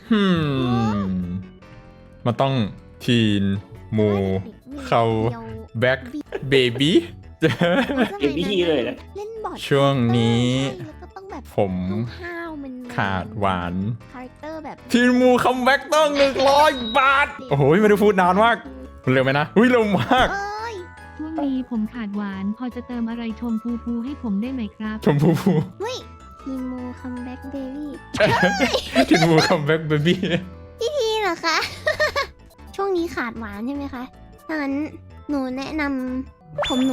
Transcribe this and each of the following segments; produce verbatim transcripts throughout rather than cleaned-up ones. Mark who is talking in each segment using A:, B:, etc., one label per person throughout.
A: ฮึมมันต้องทีนมูเขาแบ็คเบบี้
B: เก็บวิธีเลยนะ
C: เล่นบอร์ด
A: ช่วงนี้
C: แล้วก็ต้องแบบ
A: ผม
C: ห้าวๆมันๆ
A: ขาดหวาน
C: คาแรคเตอร์แบบ
A: ทีนมูคัมแบ็กต้องหนึ่งร้อยบาท โอ้โหไม่ได้พูดนานมากมันเร็วไหมนะอุ้ยเร็วมาก
C: เอ้ย
D: ช่วงนี้ผมขาดหวาน พอจะเติมอะไรชมพูพูให้ผมได้ไหมครับ
A: ชมพูพู
C: เฮ้ยทีโมคัมแบ็กเบบี้
A: ทีนมูคัมแบ็กเบบี้
C: นี่เหรอคะ ช่วงนี้ขาดหวานใช่ไหมคะถ้างั้นหนูแนะนำผมหนู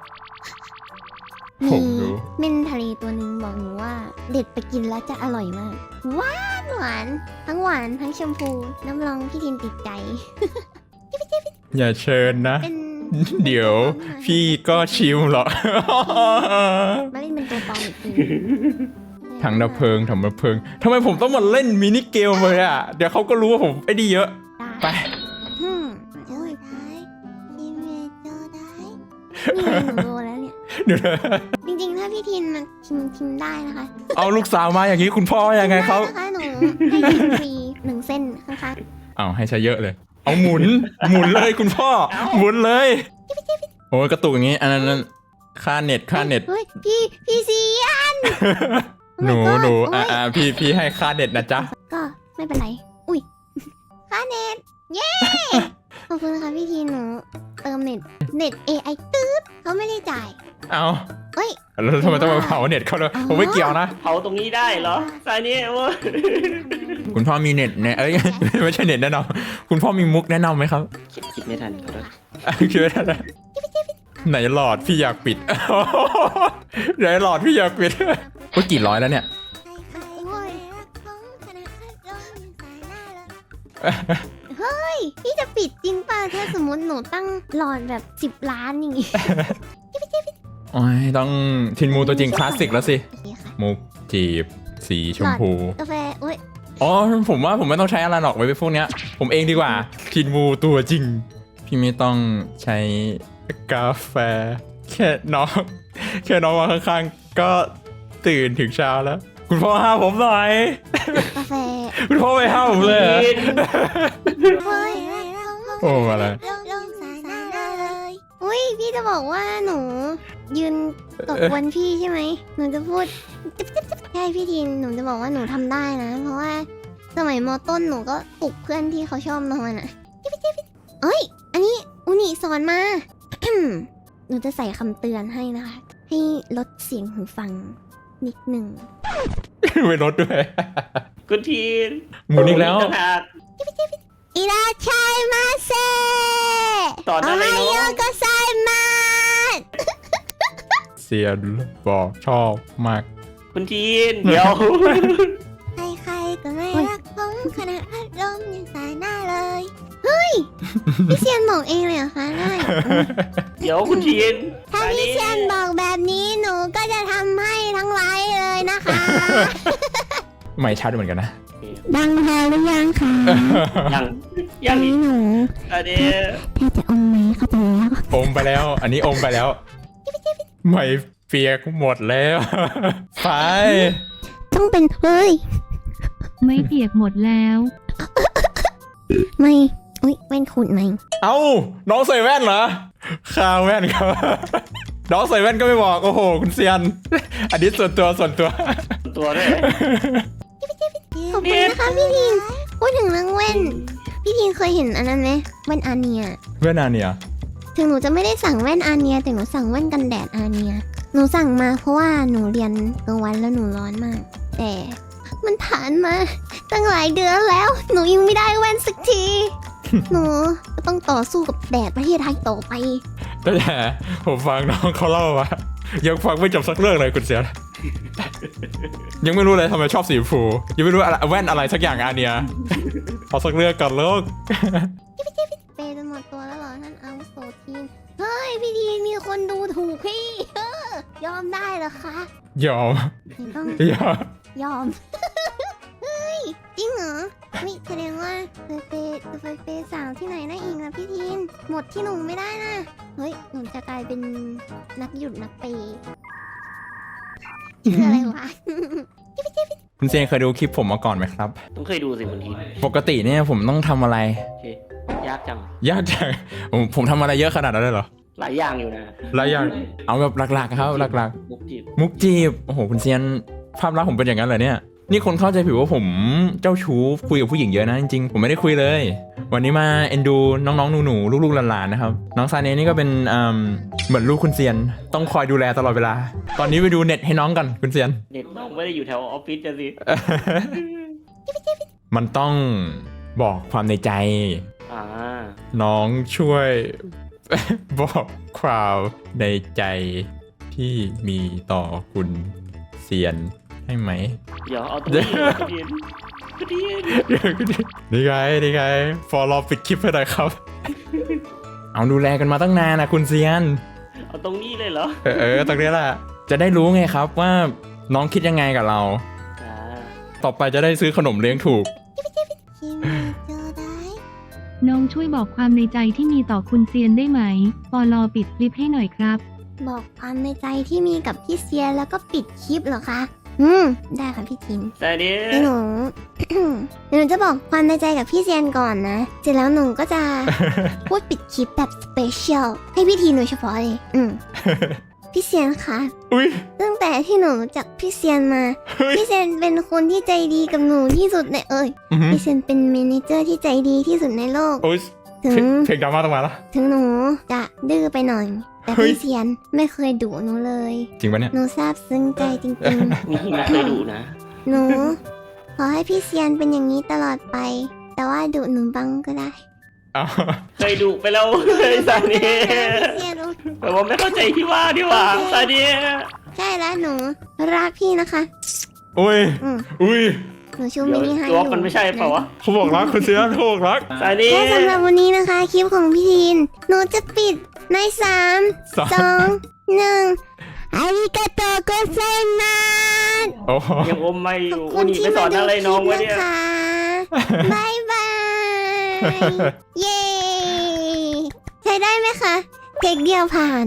A: ผมดู
C: เม่นทะเลตัวหนึ่งบอกหนูว่า เด็ดไปกินแล้วจะอร่อยมาก หวานหวาน ทั้งหวานทั้งชมพู น้ำรองพี่ทินติดใจ
A: อย่าเชิญนะ
C: เป็น
A: เดี๋ยวพี่ก็ชิมหรอก
C: มาเล่นเป็นตัวปลอมอีกที
A: ถังดับเพลิงถังดับเพลิงทำไมผมต้องมาเล่นมินิเกมเลยอ่ะ เดี๋ยวเขาก็รู้ว่าผมไอ้ดีเยอะ ไป
C: อืมโอ้ยได้ทีเมโจได้นี่ไงหนูโดนแล้วเนี่ย
A: เดี๋ยวนะ
C: จริงๆ ถ้าพี่ทินมันทิมทิมได้นะคะ
A: เอาลูกสาวมาอย่างนี้คุณพ่อว่ายังไงเขา
C: ด้นะคะหนูให้ทิมฟรีหนึ่งเส้นข้าง
A: เอาให้ใช้เยอะเลย เอาหมุน หมุนเลยคุณพ่อ หมุนเลย โอ้ยกระตุกอย่างนี้ อันนั้นนั่นค่าเน็ต
C: ๆ
A: ค่าเน็ต
C: เฮ้ยพี่พี่เซียน
A: หนู
C: Oh my god
A: หนู
C: โอ้
A: อ่าย อ่าพี่พี่ให้ค่าเน็ตนะจ๊ะ
C: ก็ไม่เป็นไร อุ้ยค่าเน็ต เย้ ขอบคุณค่ะพี่ทีนหนูเติมเน็ต เน็ต เอ ไอ ตืดเขาไม่ได้จ่าย
A: เอา
C: เฮ้ย
A: แล้วทำไมต้องมาเผาเน็ตเขาเลยผมไม่เกี่ยวนะ
B: เผาตรงนี้ได้เหรอสายนี้โอ้ย
A: คุณพ่อมีเน็ตเนี่ยเอ้ย ไม่ใช่เน็ตแนะนำคุณพ่อมีมุกแนะนำไหมครับ
B: คิดคิดไม่ทันเขาด้วย
A: คิดไม่ได้นะไหนหลอดพี่อยากปิด ไหนหลอดพี่อยากปิดว่ากี่ร้อยแล้วเนี่ย
C: เฮ้ย พี่จะปิดจริงป่ะ ถ้าสมมติหนูตั้งหลอดแบบสิบล้านอย่างงี้
A: โอ้ยต้องทินมูตัวจริงคลาสสิกแล้วสิ
C: โอเคค่ะ
A: มุกจีบ สีชมพู
C: กาแฟอุ้ย
A: อ๋อผมว่าผมไม่ต้องใช้อะไรหรอกไว้ไปพวกเนี้ย ผมเองดีกว่าทินมูตัวจริง พี่ไม่ต้องใช้กาแฟ แค่น้องแค่น้องมาข้างๆ ก็ตื่นถึงเช้าแล้ว คุณพ่อห้ามผมหน่อย
C: กาแฟ
A: คุณพ่อไม่ห้ามผมเลยเหรอ
C: เฮ้ย
A: โอ้อะไร
C: ลงสายหน้าเลยอุ้ย พี่จะบอกว่าหนู ยืนตบวันพี่ใช่ไหม หนูจะพูดจิ๊บจิ๊บจิ๊บใช่พี่ทิน หนูจะบอกว่าหนูทำได้นะ เพราะว่าสมัยมต้นหนูก็ปลุกเพื่อนที่เขาชอบนอนอ่ะจิ๊บจิ๊บจิ๊บเอ้ย อันนี้อุนิสอนมา หนูจะใส่คำเตือนให้นะคะ ให้ลดเสียงหูฟังนิดหนึ่ง
A: ไม่ลดด้วย
B: คุณทีน
A: หมุนอีกแล้ว
B: ต่างหาก
C: อิราชัยมาเซ
B: สอนอะไรเนอะ
C: โยก็ไซมา
A: เซียนบอกชอบมาก
B: คุณทีนเดี๋ยว
C: ใครๆก็ไม่รักผมขนาดพัดลมยังสายหน้าเลย เฮ้ย พี่เซียนบอกเองเลยเหรอคะได้
B: เดี๋ยวคุณทีน
C: ถ้าพี่เซียนบอกแบบนี้หนูก็จะทำให้ทั้งไลฟ์เลยนะคะ
A: ไม่ชัดเหมือนกันนะ
C: ดังพอหรือยังคะ
B: ยังยังอีก
C: หนู
B: อันนี้
C: แทบจะอมไหมเข้าไปแล้ว
A: อมไปแล้ว อันนี้อมไปแล้ว ไม่เปียกหมดแล้ว ไฟ
C: ต้องเป็นเฮ้ย
D: ไม่เปียกหมดแล้ว
C: ไม่อุ้ยแว่นขุดไหม
A: เอ้า น้องใส่แว่นเหรอข้าวแว่นครับ น้องใส่แว่นก็ไม่บอก โอ้โห คุณเซียน อันนี้ส่วนตัวส่วนตัว
B: ตัวด้วย
C: ขอบคุณนะคะพี่ทินพูดถึงเรื่องแว่น พี่ทินเคยเห็นอันนั้นไหมแว่นอาเนีย
A: แว่นอันเนี่ย
C: ถึงหนูจะไม่ได้สั่งแว่นอาเนีย แต่หนูสั่งแว่นกันแดดอาเนีย หนูสั่งมาเพราะว่าหนูเรียนกลางวันแล้วหนูร้อนมาก แต่มันผ่านมาตั้งหลายเดือนแล้ว หนูยังไม่ได้แว่นสักที หนูก็ต้องต่อสู้กับแดดประเทศไทยต่อไป
A: แต่ผมฟังน้องเขาเล่าว่ายังฟังไม่จบสักเรื่องเลยคุณเซียน ยังไม่รู้เลยทำไมชอบสีชมพูยังไม่รู้อะไรแว่นอะไรสักอย่างอันเนี่ยเอาสักเรื่องก่อนลูก
C: เปย์จนหมดตัวแล้วเหรอท่านอาวุโสทีน เฮ้ยพี่ทีนมีคนดูถูกพี่ เออยอมได้เหรอคะ
A: ยอม
C: ไม่ต้อง
A: ยอม
C: ยอม เฮ้ย จริงเหรอนี่แสดงว่าเคยเปย์เคยเปย์สาวที่ไหนนะอีกนะพี่ทีน หมดที่หนูไม่ได้นะ เฮ้ย หนูจะกลายเป็นนักหยุดนักเปย์ชื่ออะไรวะ
A: คุณเซียนเคยดูคลิปผมมาก่อนไหมครับ
B: ต้องเคยดูสิคุณทีน
A: ปกติเนี่ยผมต้องทำอะไร
B: โอเคยากจัง
A: ยากจังผมผมทำอะไรเยอะขนาดนั้นเลยเหรอ
B: หลายอย่างอยู่นะ
A: หลายอย่างเอาแบบหลักๆครับหลัก
B: มุกจีบ
A: ๆ มุกจีบโอ้โหคุณเซียนภาพลักษณ์ผมเป็นอย่างนั้นเหรอเนี่ยนี่คนเข้าใจผิดว่าผมเจ้าชู้คุยกับผู้หญิงเยอะนะจริงๆผมไม่ได้คุยเลย วันนี้มาเอ็นดูน้องๆหนูๆลูกๆหลานๆนะครับน้องซาเนนี่ก็เป็นอืมเหมือนลูกคุณเซียนต้องคอยดูแลตลอดเวลา ตอนนี้ไปดูเน็ตให้น้องกันคุณเซียน
B: เน็ตน้องไม่ได้อยู่แถวออฟฟิศจะสิ
A: มันต้องบอกความในใจ
B: อ่า
A: น้องช่วย บอกความในใจที่มีต่อคุณเซียนให้ไหม
B: เดี๋ยวเอาตรงนี้คุณทีนคุณทีน
A: เดี๋ยวก็ดินี่ไงนี่ไงฟอลรอปิดคลิปให้หน่อยครับ เอาดูแลกันมาตั้งนานนะคุณเซียน
B: เอาตรงนี้เลยเหรอ
A: เออเออตรงนี้แหละจะได้รู้ไงครับว่าน้องคิดยังไงกับเรา
B: อ่า
A: ต่อไปจะได้ซื้อขนมเลี้ยงถูก
C: คิมมี่โจได้
D: น้องช่วยบอกความในใจที่มีต่อคุณเซียนได้ไหมปอลอปิดคลิปให้หน่อยครับ
C: บอกความในใจที่มีกับพี่เซียนแล้วก็ปิดคลิปเหรอคะ อืม ได้ค่ะพี่ทิน
B: แต่นี้
C: เดี๋ยวหนู เดี๋ยวหนูจะบอกความในใจกับพี่เซียนก่อนนะ เสร็จแล้วหนูก็จะ พูดปิดคลิปแบบสเปเชียลให้พี่ทีนโดยเฉพาะเลย อืม พี่เซียนคะ
A: อุ้ย
C: ตั้งแต่ที่หนูรู้จักพี่เซียนมา
A: เฮ้ย
C: พี่เซียนเป็นคนที่ใจดีกับหนูที่สุดในเอ่ย
A: อื้อหือ
C: พี่เซียนเป็นเมเนเจอร์ที่ใจดีที่สุดในโลก
A: โอ้ย
C: ถึง
A: เพลงดราม่าต้องมาแล้ว
C: ถึงหนูจะดื้อไปหน่อย แต่
A: เฮ้ย
C: พี่เซียนไม่เคยดุหนูเลย
A: จริงปะเนี่ย
C: หนูซาบซึ้งใจจริง
B: นี่ไม่เคยดูนะ
C: ๆ หนู ขอให้พี่เซียนเป็นอย่างนี้ตลอดไป แต่ว่าดุหนูบ้างก็ได้
A: เอา
B: เคยดูไปแล้วเลยซาเนี
C: พี่เซียนรู้
B: แต่ว่าไม่เข้าใจที่ว่าดีกว่าซาเนี
C: ใช่แล้วหนูรักพี่นะคะ
A: อุ้ย
C: อืม
A: อุ้ย
C: หนูชู
B: เดี๋
C: มิ
B: ยว
C: นิให้
B: ตัว
C: อยู่
B: มันไม่ใช่เปล่าวะ
A: เขาบอกรักคุณเซียนเขาบอกรัก
B: ซาเนี
C: และสำหรับวันนี้นะคะ คลิปของพี่ทีน หนูจะปิดในสาม
A: สาม
C: สองหนึ่งอาริกาโตโกไซมัส
A: โอ้โห
B: ยังอมไม่อ
C: ขอบ
B: ยู่
C: คุ
B: อุ
C: ณ
B: นี่
C: ที่
B: ไปส
C: มา
B: อน
C: ดู
B: อะไร
C: ค
B: น้
C: ลิ
B: อง
C: ป
B: วะ
C: นะ
B: เนี่ย
C: คะ บายบาย เย้ ใช้ได้ไหมคะเทคเดียวผ่าน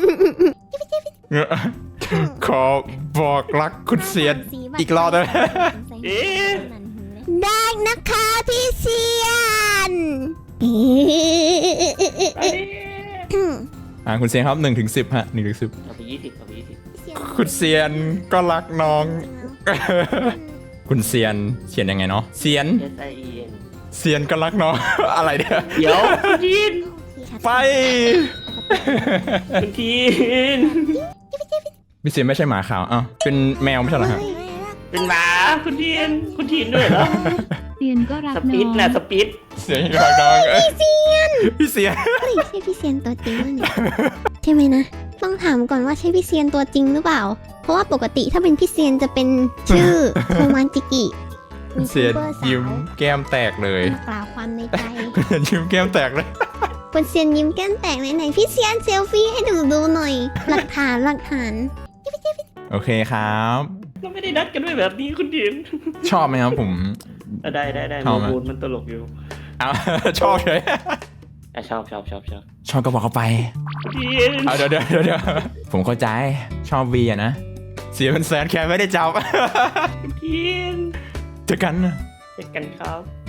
A: ขอบอกรักคุณเซียนอีกรอบได้ไหม
B: เอ๊ะ
C: ได้นะคะพี่เซียน
A: อ่าคุณเซียนครับหนึ่งถึงสิบฮะหนึ่งถึงสิบ
B: เอาไปยี่สิบเอาไปยี่สิบ
A: คุณเซียนก็รักน้อง คุณเซียนเขียนยังไงเนาะเซียน
B: S I E N
A: เซียนก็รักน้อง อะไรเนี่ย
B: เดี๋ยวคุณทีน
A: ไป
B: คุณทีน
A: พี่เซียนไม่ใช่หมาขาวอ้าวเป็นแมวไม่ใช่เหรอฮะ
B: เป็นหมาคุณทีนคุณทีนด้วยเหรอ
D: เซียนก็รัก
B: ส
D: น้
B: ปีด
D: อง
B: นะสปีด
A: เซียนก็รักน้องพี่เซียนพี่เซียน
C: เฮ้ยใช่พี่เซียนตัวจริงหรือเนี่ยใช่ไหมนะ ต้องถามก่อนว่าใช่พี่เซียนตัวจริงหรือเปล่า เพราะว่าปกติถ้าเป็นพี่เซียนจะเป็นชื่อ โทมันจิกิ
A: เซียน
C: ยูทูบเบอร์สาว
A: ยิ้มแก้มแตกเลย
C: มากล่าวความในใจ
A: ยิ้มแก้มแตกเลย
C: คุณเซียนยิ้มแก้มแตกไหนๆพี่เซียนเซลฟี่ให้ดูดูหน่อย หลักฐานหลักฐาน
A: โอเคครับ
B: เราไม่ได้นัดกันไว้แบบนี้คุณทีน
A: ชอบไหมครับผม
B: อ่ะได้ได้ได้
A: ชอบไหม
B: โมบูนมันตลกอยู่
A: เอา ชอบเลย
B: อ่ะชอบชอบชอบชอบ
A: ชอบก็บอกเขาไป
B: คุณทีน
A: เอาเดี๋ยวเดี๋ยวเดี๋ยวเดี๋ยวผมเข้าใจชอบวีอะนะ เสียเป็นแสนแค่ไม่ได้จับ
B: คุณทีน
A: เจอกันนะ
B: เจอกันครับ